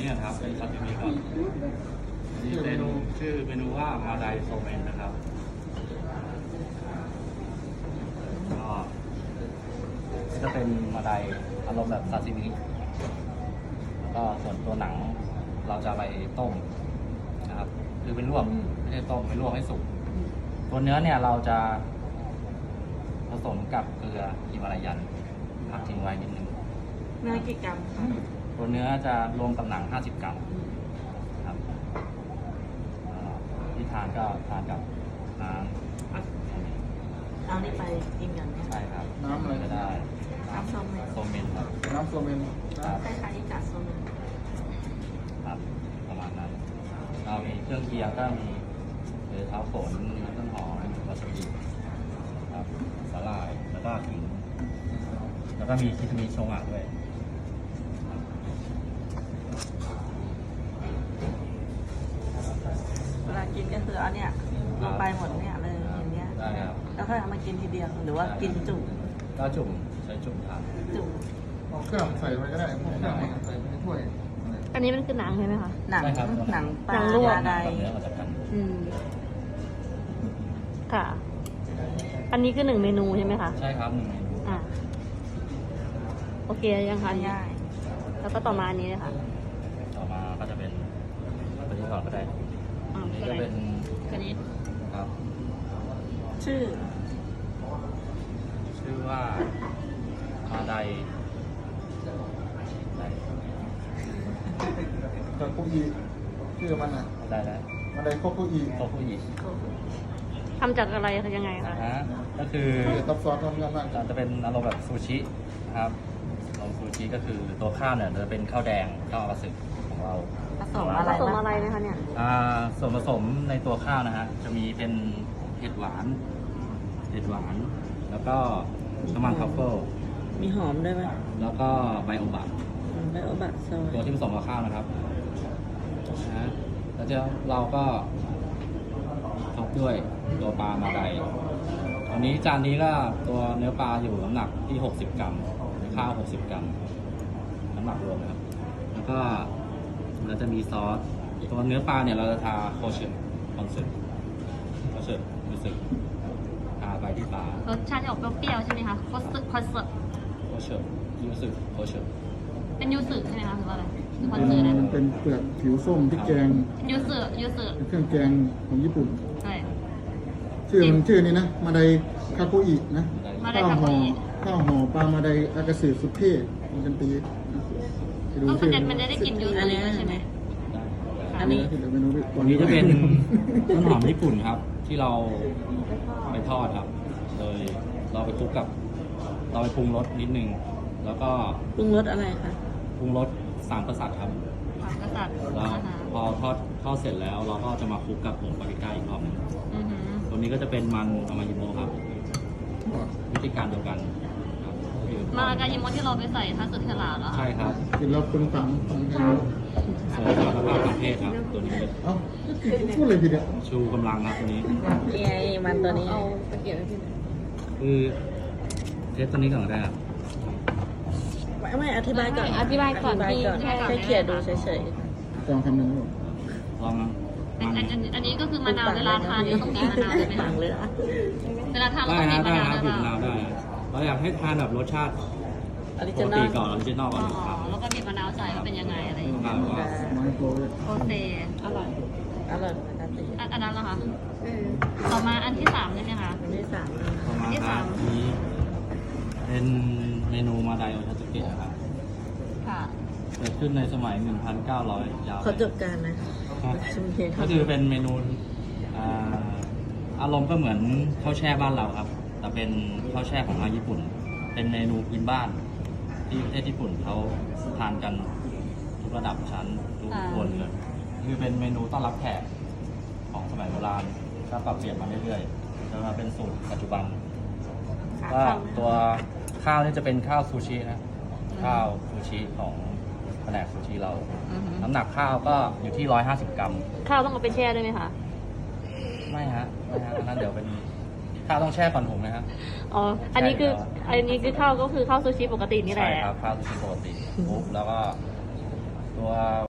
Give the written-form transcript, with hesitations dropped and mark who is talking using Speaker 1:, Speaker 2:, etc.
Speaker 1: นี้ครับเป็นซาซิมิก่อนอันนี้เป็นชื่อเมนูว่ามาไดโซเมนนะครับก็จะเป็นมาไดอารมณ์แบบซาซิมิแล้วก็ส่วนตัวหนังเราจะไปต้มนะครับคือเป็นลวกไม่ใช่ต้มไม่ลวกให้สุกตัวเนื้อเนี่ยเราจะผสมกับเกลือฮิมาลายันพักทิ้งไว้นิดนึง
Speaker 2: เนื้อกี่กรัมคะ
Speaker 1: ตัวเนื้อจะรวมกับหนัง50 กรัมครับที่ทานก็ทานกับน้ำ
Speaker 2: เอานี่ไปกินกันเนี่ย
Speaker 1: ใช่ครับ
Speaker 3: น้ำอะไร
Speaker 1: ก็ได้
Speaker 2: น้ำโซเมน
Speaker 1: โซเมนครับ
Speaker 3: น้ำโซเมน
Speaker 1: ครับ
Speaker 2: คล้ายๆอิกาโซเมน
Speaker 1: ครับประมาณนั้นเรามีเครื่องเคียงก็มีเท้าฝนมีต้นหอมวาซาบิครับสาหร่ายแล้วก็ขิงแล้วก็มีคิทมิโชงะด้วย
Speaker 2: เวลากินก็คือเอาเนี่ยลงไปหมดเนี่ยเลยอย่างเงี้ย
Speaker 1: ได้ครับ
Speaker 2: แล้วค่อยเอามากินทีเดียวหรือว่ากินจุ่ม
Speaker 1: ก็จุ่มใช้จุ่มทาน
Speaker 2: จุ่ม
Speaker 3: เอาเครื่องใส่ไปก็ได้พวกเครื่องใส่ในถ้วย
Speaker 4: อันนี้มันคือหนังใช่ไหมคะ
Speaker 2: หนัง
Speaker 1: ใช่ครับ
Speaker 2: หนังปลา
Speaker 4: หนังลวก
Speaker 2: ใด
Speaker 1: กับเนื้อมาจากกัน
Speaker 4: อืม ค่ะ อันนี้คือ1 เมนูใช่ไหมคะ
Speaker 1: ใช่ครับ1 เมนู
Speaker 4: อ่า โอเคยังคะ
Speaker 2: ง่าย
Speaker 4: แล้วก็ต่อมาอันนี้เลยค่ะ
Speaker 1: ต่อมาก็จะเป็นตัวนี้ก่อนก็ได้
Speaker 4: อ่า
Speaker 1: อันนี้จะเป็น
Speaker 4: ตัวนี้
Speaker 1: ครับ
Speaker 2: ชื่อ
Speaker 1: ชื่อว่ามาได
Speaker 3: กับคุกอีชื่อมันอ่ะ
Speaker 1: ได้แล้ว
Speaker 3: มันได้โคคุอี
Speaker 1: โคคุอิ
Speaker 4: ทำจากอะไรยังไงคะ
Speaker 1: ก็คือ
Speaker 3: ซับซ้อนทำงานมาก
Speaker 1: จะเป็นอารมณ์แบบซูชินะครับอารมณ์ซูชิก็คือตัวข้าวเนี่ยจะเป็นข้าวแดงข้าวอากาสึของเรา
Speaker 2: ผสมอะไร
Speaker 4: ผสม
Speaker 2: บ้าง
Speaker 4: อะไรนะคะเนี่ย
Speaker 1: ส่วนผสมในตัวข้าวนะฮะจะมีเป็นเห็ดหวาน แล้วก็น้ำมันทรัฟเฟิล
Speaker 2: มีหอมด้วยไหม
Speaker 1: แล้วก็ใบโอบะ
Speaker 2: ไบโอบะซอย
Speaker 1: ตัวที่ผสมกับข้าวนะครับนะแล้วเราก็ท็อปด้วยตัวปลามาไดอันนี้จานนี้ก็ตัวเนื้อปลาอยู่น้ำหนักที่60 กรัมข้าว60 กรัมน้ำหนักรวมนะครับแล้วก็เราจะมีซอสตัวเนื้อปลาเนี่ยเราจะทาโคเชอร์รู้สึกทาไปที่ปลาร
Speaker 4: สชาติจะออกเปรี้ยวๆใช่ไหมคะคอสสึ
Speaker 1: โคเชอร์รู้สึกโคเชอร์
Speaker 4: เป็นยูสึใช่ไหมคะหรือว่าอะไรหรือคอนเสิร์ตนะ
Speaker 3: เป็นเปลือกผิวส้มพริกแกง
Speaker 4: เป็นยูสึ
Speaker 3: เป็นเครื่องแกงของญี่ปุ่น
Speaker 4: ใช่
Speaker 3: ชื่อนี้นะมาไดคาโกอินะ
Speaker 4: มาได
Speaker 3: ข้าว
Speaker 4: คาโก
Speaker 3: ห่อ
Speaker 4: อิ
Speaker 3: ข้าวห่อปลามาไดอากาสึสุดเท่มันเป็นปีนะไปดู
Speaker 4: ก็
Speaker 3: ชื่อ
Speaker 4: มันจะได้กลิ่นยูสึใช่ไหม
Speaker 2: อันนี้
Speaker 3: เดี๋ยวเมนู
Speaker 1: อันนี้จะเป็นต้นหอมญี่ปุ่นครับ ที่เราไปทอดครับ โดยเราไปคลุกกับเราไปปรุงรสนิดนึง แล้วก็
Speaker 2: ปรุงรสอะไรคะ
Speaker 1: ปรุงรส3 กษัตริย์ครับ
Speaker 4: กษัตริย์
Speaker 1: แล้ว
Speaker 4: อาหาร
Speaker 1: พอทอดเสร็จแล้วเราก็จะมาคลุกกับผงปาปริก้าอีกรอบหนึง
Speaker 4: อือหือ
Speaker 1: ตัวนี้ก็จะเป็นมันอามายิโมะครับ วิธีการเดียวกันครับคือ
Speaker 4: มากายิโมะที่เราไปใส่ทัสึเทลาเหรอ
Speaker 1: ใช่ครับ
Speaker 3: กินแล้วเป็นฝังของแกง
Speaker 1: เสริมสมรรถภาพทางเพศครับ ตัวนี้
Speaker 3: เอ้าพูดเลยทีเดียว
Speaker 1: ชูกำลังครับตัวนี้
Speaker 2: นี่ไงมันตัวนี้
Speaker 1: คือเทสตัวนี้ก่อนก็ได้ครับ
Speaker 2: ไม่อธิบายก่อน
Speaker 4: อธิบายก่อน
Speaker 2: แค่เขียนดูเฉย
Speaker 3: ลองคำหนึ่งดู
Speaker 1: ลองนะ
Speaker 4: อันนี้ก็คือมะนาวเวลาทานเนี่ยต้องมีมะนาวใช่ไหม
Speaker 2: ฝั
Speaker 4: คะ
Speaker 2: งเลยอ่ะ
Speaker 4: เวลาทานเรา
Speaker 1: ได้
Speaker 4: ต้องมี
Speaker 1: นะ
Speaker 4: มะ
Speaker 1: ได้
Speaker 4: นาว
Speaker 1: ครับ
Speaker 4: ด้วย
Speaker 1: บีบ
Speaker 4: เปล่า
Speaker 1: มะนาวได้ เราอยากให้ทานแบบรสชาติ
Speaker 2: ออริ
Speaker 1: ป
Speaker 2: จิ
Speaker 1: ก
Speaker 2: นอ
Speaker 1: ติ
Speaker 2: ล
Speaker 1: ก่อนออริจินอลก่
Speaker 4: อ๋
Speaker 1: อ
Speaker 4: อน
Speaker 1: ครับ
Speaker 4: แล้วก็มีมะนาวใส่ว่าเป็นยังไงอะไรอย่างเงี้ย
Speaker 1: ครับก็
Speaker 3: ไม้โปรย
Speaker 4: โอเซ
Speaker 2: อร่อยปกติ
Speaker 4: อันนั้นเหรอคะต่อมาอันที่3ใช่ไหมคะ
Speaker 2: อันที่สาม
Speaker 1: ประมาณ
Speaker 4: ที่
Speaker 1: ค
Speaker 4: สา
Speaker 1: รั
Speaker 4: ม
Speaker 1: บนี้เป็นเมนูมาไดโอทาสึเกะครับ
Speaker 4: ค่ะ
Speaker 1: เกิดขึ้นในสมัย 1,900 ยาว
Speaker 2: ขอจบการนะ
Speaker 1: ครับ
Speaker 2: ชุมเทียน
Speaker 1: ก็คือเป็นเมนูอ่าอารมณ์ก็เหมือนข้าวแช่บ้านเราครับ แต่เป็นข้าวแช่ของทางญี่ปุ่น เป็นเมนูพื้นบ้าน ที่ประเทศญี่ปุ่นเขาทานกันทุกระดับชั้นทุกคนเลยคือเป็นเมนูต้อนรับแขกของสมัยโบราณก็ปรับเปลี่ยนมาเรื่อยๆจนมาเป็นสูตรปัจจุบันก็ตัวข้าวนี่จะเป็นข้าวซูชินะข้าวซูชิของแผนกซูชิเรา
Speaker 4: อือหือ
Speaker 1: น้ำหนักข้าวก็อยู่ที่150 กรัม
Speaker 4: ข้าวต้องเอาไปแช่ด้วยไหมคะ
Speaker 1: ไม่ฮะอันนั้นเดี๋ยวเป็นข้าวต้องแช่ก่อนหุงนะฮะ
Speaker 4: อ๋อ อันนี้คือข้าวก็คือข้าวซูชิปกตินี่แห
Speaker 1: ใช่
Speaker 4: ละ
Speaker 1: ครับข้าวซูชิปกติปุ๊บแล้วก็ตัว